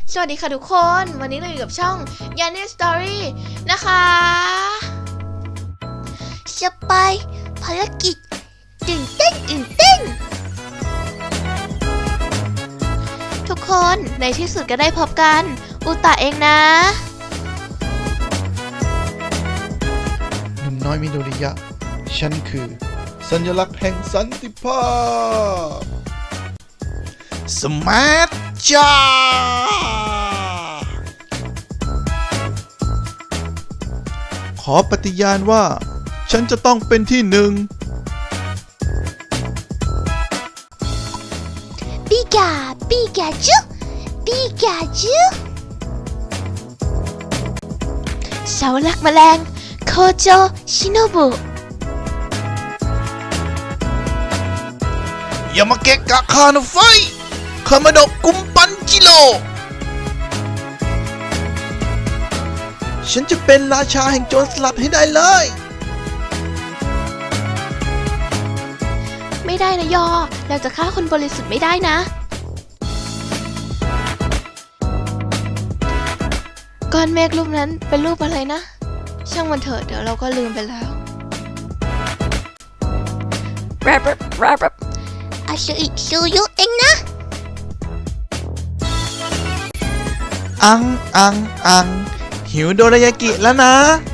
สวัสดีค่ะทุกคนวันนี้เราอยู่กับช่อง Yanni Story นะคะจะไปภารกิจตื่นเต้นทุกคนในที่สุดก็ได้พบกันอุตะเองนะหนุ่มน้อยมิโดริยะฉันคือสัญลักษณ์แห่งสันติภาพสมาร์ทจ้าขอปฏิญาณว่าฉันจะต้องเป็นที่หนึ่งปิกาจูเสาหลักแมลงโคโจชิโนบุอย่ามาเกะกะข้านะไฟคามาโดะกุมปันจิโร่ฉันจะเป็นราชาแห่งโจรสลัดให้ได้เลยไม่ได้นะยอเราจะฆ่าคนบริสุทธิ์ไม่ได้นะก้อนเมฆรูปนั้นเป็นรูปอะไรนะช่างมันเถอะเดี๋ยวเราก็ลืมไปแล้วอาชูอิชูยุเองนะอังหิวโดรายากิแล้วนะ